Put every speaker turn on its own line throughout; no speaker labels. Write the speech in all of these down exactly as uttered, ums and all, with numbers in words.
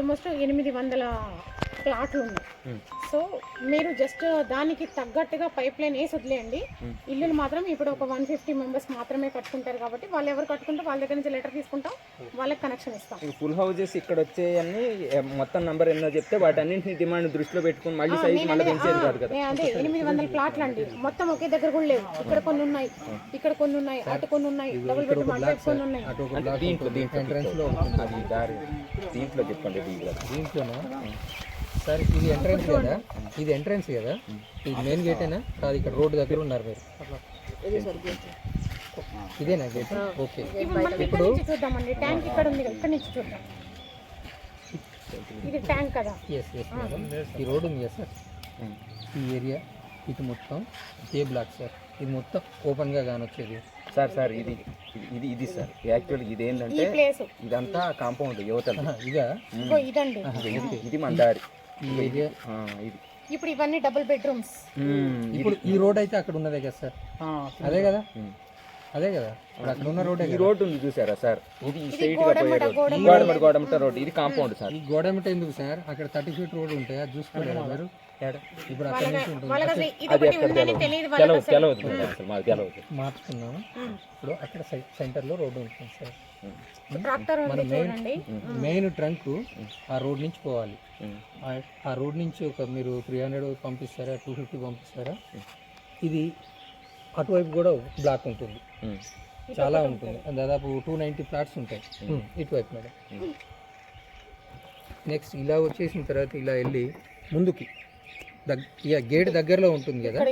Almost ఎనిమిది వందల ప్లాట్లు ఉన్నాయి. సో మీరు జస్ట్ దానికి తగ్గట్టుగా పైప్ లైన్ వేసి వదిలేయండి. ఇల్లులు మాత్రం ఇప్పుడు ఒక వన్ ఫిఫ్టీ మెంబర్స్ మాత్రమే కట్టుకుంటారు కాబట్టి వాళ్ళు ఎవరు కట్టుకుంటే వాళ్ళ దగ్గర నుంచి లెటర్ తీసుకుంటాం, వాళ్ళకి కనెక్షన్ ఇస్తాం.
ఫుల్ హౌజెస్ ఇక్కడ వచ్చేయన్ని మొత్తం నంబర్ ఎన్నో చెప్తే వాటి అన్నింటిని డిమాండ్ దృష్టిలో పెట్టుకుని మళ్ళీ సైజ్ మళ్ళీ పెంచేది కాదు కదా.
అదే ఎనిమిది వందల ప్లాట్లు అండి, మొత్తం ఒకే దగ్గర కూడా లేవు. ఇక్కడ కొన్ని ఉన్నాయి, ఇక్కడ కొన్ని ఉన్నాయి, అటు కొన్ని ఉన్నాయి, డబుల్ బెడ్రూమ్ అటు కొన్ని ఉన్నాయి.
దీంట్లో దీంట్లో ఎంట్రన్స్ లో అది దారి దీంట్లో చెప్పండి. దీంట్లో
దీంట్లోనా సార్? ఇది ఎంట్రన్స్ కదా, ఇది ఎంట్రన్స్ కదా, ఇది మెయిన్ గేటేనా కాదు? ఇక్కడ రోడ్డు దగ్గర ఉన్నారు మీరు, ఇదేనా గేట్? ఓకే.
ఇప్పుడు చూద్దామండి, ట్యాంక్ ఇక్కడ ఉంది కదా, ఇక్కడ నుంచి చూద్దాం. ఇది ట్యాంక్ కదా.
ఎస్ ఎస్ మేడం, ఈ రోడ్ ఉంది కదా సార్, ఈ ఏరియా ఇది మొత్తం ఏ బ్లాక్ సార్, ఇది మొత్తం ఓపెన్గా కానొచ్చేది
సార్. సార్ ఇది ఇది ఇది సార్ యాక్చువల్ ఇది ఏంటంటే ఇదంతా కాంపౌండ్ యువతలు.
ఇదా
ఇదండి,
ఇది మన దారి
ఈ ఏరియా.
ఇది
ఇప్పుడు ఇవన్నీ డబుల్ బెడ్రూమ్స్.
ఇప్పుడు ఈ రోడ్ అయితే అక్కడ ఉన్నదే కదా సార్? అదే కదా, అదే కదా అక్కడ ఉన్న రోడ్.
ఈ రోడ్డు ఉంది చూసారా సార్, ఇది స్ట్రైట్ గా పోయే రోడ్, గోడమట గోడమట రోడ్. ఇది కాంపౌండ్ సార్.
ఈ గోడమట ఎందుకు సార్? అక్కడ థర్టీ ఫీట్ రోడ్ ఉంటాయి, అది చూసుకోలేదు మీరు? ఇప్పుడు అక్కడ నుంచి ఉంటుంది, మార్చుకున్నాము. ఇప్పుడు అక్కడ సెంటర్ లో రోడ్డు ఉంటుంది సార్. మన మెయిన్ మెయిన్ ట్రంక్ ఆ రోడ్ నుంచి పోవాలి. ఆ రోడ్ నుంచి ఒక మీరు త్రీ హండ్రెడ్ పంపిస్తారా, టూ ఫిఫ్టీ పంపిస్తారా? ఇది అటువైపు కూడా బ్లాక్ ఉంటుంది, చాలా ఉంటుంది, దాదాపు టూ నైంటీ ఫ్లాట్స్ ఉంటాయి ఇటువైపు మేడం. నెక్స్ట్ ఇలా వచ్చేసిన తర్వాత ఇలా వెళ్ళి ముందుకి దగ్ ఇక గేట్ దగ్గరలో ఉంటుంది కదా,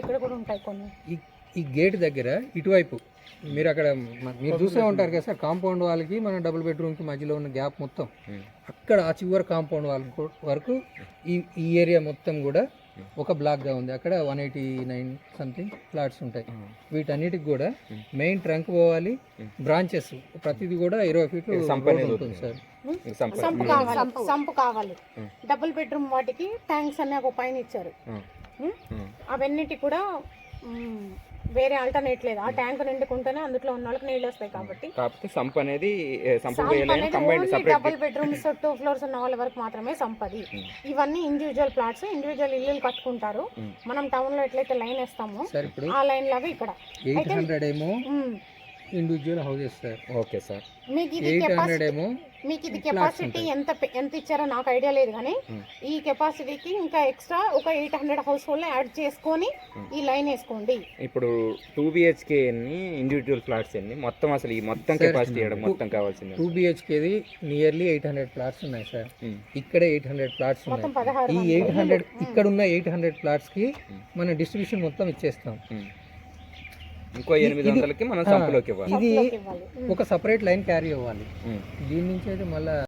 ఈ గేట్ దగ్గర ఇటువైపు మీరు అక్కడ మీరు చూసే ఉంటారు కదా సార్, కాంపౌండ్ వాళ్ళకి మన డబుల్ బెడ్రూమ్కి మధ్యలో ఉన్న గ్యాప్ మొత్తం అక్కడ ఆ చివరి కాంపౌండ్ వాళ్ళ వరకు ఈ ఈ ఏరియా మొత్తం కూడా ఒక బ్లాక్గా ఉంది. అక్కడ one eighty nine something flats ఉంటాయి. వీటన్నిటికి కూడా మెయిన్ ట్రంక్ పోవాలి, బ్రాంచెస్ ప్రతిదీ కూడా ఇరవై ఫీట్లు ఉంటుంది సార్.
సంపు కావాలి, సంపు కావాలి. డబుల్ బెడ్రూమ్ వాటికి ట్యాంక్స్ అనే ఒక పైన ఇచ్చారు. అవన్నిటి కూడా వేరే ఆల్టర్నేట్ లేదు, ఆ ట్యాంక్ నిండుకుంటేనే అందులో ఉన్న వాళ్ళకి నీళ్ళు వస్తాయి. కాబట్టి
కాకపోతే సంప్ అనేది
డబుల్ బెడ్రూమ్స్ టూ ఫ్లోర్స్ ఉన్న వాళ్ళ వరకు మాత్రమే సంపది. ఇవన్నీ ఇండివిజువల్ ప్లాట్స్, ఇండివిజువల్ ఇల్లులు కట్టుకుంటారు. మనం టౌన్ లో ఎట్లయితే లైన్ వేస్తామో ఆ లైన్ లాగా ఇక్కడ
ఎయిట్ హండ్రెడ్ ఏమో individual houses sir.
Okay sir.
మీకు ఇది కెపాసిటీ మీకు ఇది కెపాసిటీ ఎంత ఎంత ఇచ్చారో నాకు ఐడియా లేదు, కానీ ఈ కెపాసిటీకి ఇంకా ఎక్స్ట్రా ఒక eight hundred household add చేసుకొని ఈ లైన్ వేసుకోండి.
ఇప్పుడు టూ బిహెచ్కే ఎన్ని ఇండివిజువల్ ఫ్లాట్స్ ఎన్ని మొత్తం అసలు ఈ మొత్తం కెపాసిటీ మొత్తం కావాల్సింది?
టూ బిహెచ్కేది నియర్లీ ఎయిట్ హండ్రెడ్ ఫ్లాట్స్ ఉన్నాయి సార్. ఇక్కడ ఎయిట్ హండ్రెడ్ ఫ్లాట్స్ ఉన్నాయి. ఈ ఎయిట్ హండ్రెడ్ ఇక్కడ ఉన్న ఎయిట్ హండ్రెడ్ ఫ్లాట్స్ కి మన డిస్ట్రిబ్యూషన్ మొత్తం ఇచ్చేస్తాం.
ఇంకో ఎనిమిది వందలకి మనం సంపులోకి ఇవ్వాలి.
ఇది ఒక సపరేట్ లైన్ క్యారీ అవ్వాలి. దీని నుంచి అయితే మళ్ళీ